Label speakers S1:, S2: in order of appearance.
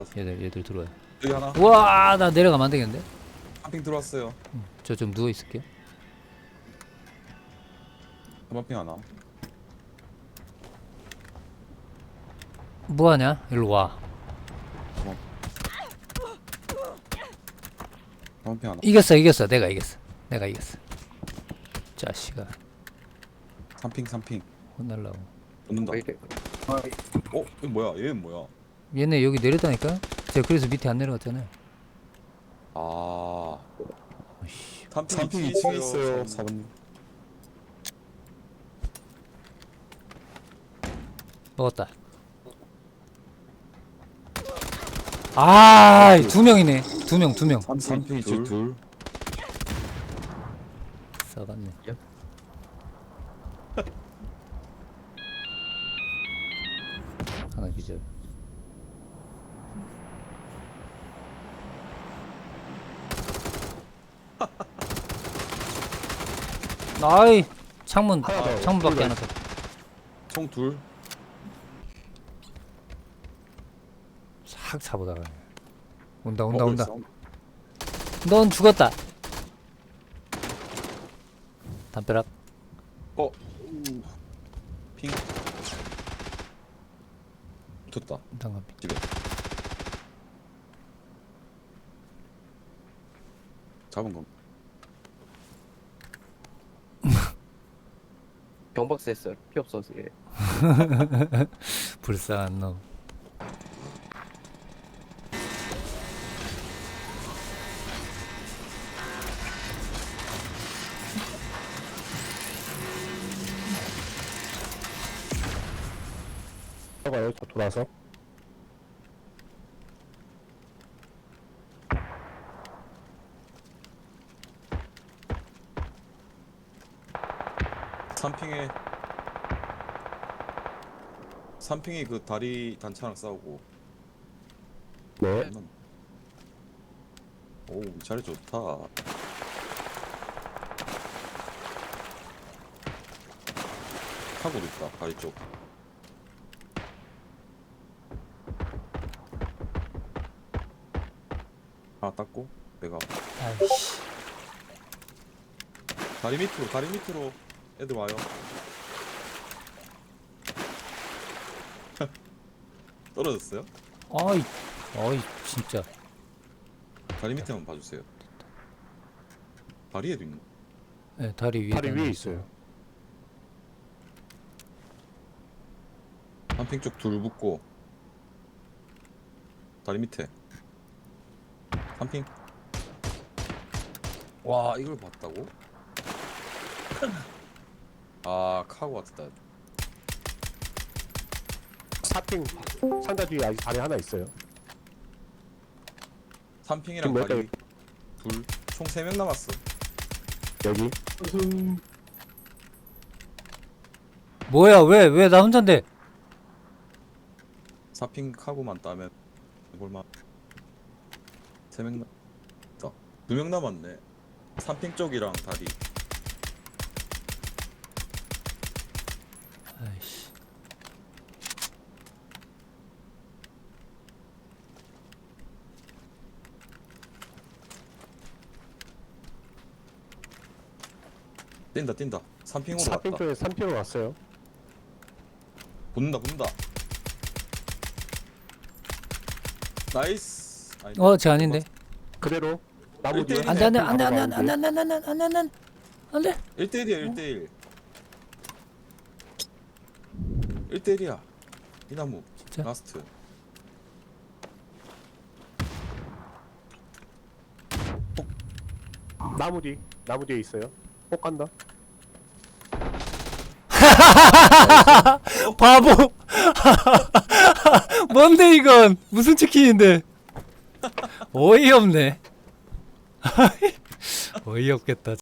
S1: 얘들 들어와요.
S2: 여기 하나.
S1: 우와, 나 내려가면 안 되겠는데?
S2: 한핑 들어왔어요.
S1: 저 좀 누워 있을게요.
S2: 한핑 하나.
S1: 뭐 하냐? 일로 와.
S2: 한핑 하나.
S1: 이겼어. 내가 이겼어. 자식아,
S2: 삼핑.
S1: 혼날라고.
S2: 붙는다. 어? 이거 뭐야? 얘는 뭐야?
S1: 얘네 여기 내렸다니까? 제가 그래서 밑에 안 내려갔잖아요.
S2: 아.
S1: 어이씨.
S2: 삼핑 2층에 있어요. 4번.
S1: 먹었다. 아, 두 명이네. 두 명.
S2: 삼핑 2층 둘.
S1: 싸갔네. 하나 기절. 아이, 창문 창문밖에 안 왔다.
S2: 총 둘.
S1: 싹 차보다가 온다.
S2: 싸움.
S1: 넌 죽었다. 담벼락.
S2: 핑. 붙었다.
S1: 담벼락.
S2: 집에. 잡은 거.
S3: 경박스 했어요. 피 없어서. 예.
S1: 불쌍한 놈.
S4: 가요. 저 돌아서.
S2: 삼핑에 그 다리 단차랑 싸우고.
S4: 네.
S2: 오, 자리 좋다. 타고도 있다. 다리 쪽. 하나 땄고 내가
S1: 아이씨.
S2: 다리 밑으로 애들 와요. 떨어졌어요?
S1: 어이, 진짜.
S2: 다리 밑에 한번 봐주세요. 다리에도 있는.
S1: 네, 다리 위에.
S4: 다리 위에 있어요.
S2: 한핑 쪽 둘 붙고 다리 밑에 한핑. 와, 이걸 봤다고? 아, 카고 왔다.
S4: 사핑 상자 뒤에 아직 다리 하나 있어요.
S2: 삼핑이랑
S4: 지금
S2: 다리 둘, 총 3명 남았어.
S4: 여기.
S1: 뭐야? 왜 나 혼자인데?
S2: 사핑 카고만 따면 볼만. 3명 남. 2명 남았네. 삼핑 쪽이랑 다리.
S1: 아이씨.
S2: 뛴다. 삼핑으로
S4: 사핑
S2: 갔다.
S4: 쪽에 3핑으로 왔어요.
S2: 붙는다. 나이스. 아니,
S1: 쟤 아닌데?
S4: 그대로 나무 뒤에.
S2: 일대일이네.
S1: 안돼.
S4: 나무
S1: 안돼.
S2: 1대1이야 1대1. 1대1이야. 이 나무
S1: 진짜?
S2: 라스트.
S4: 나무 뒤에 있어요. 꼭 간다.
S1: 바보. 뭔데 이건? 무슨 치킨인데? 어이없네. 어이없겠다.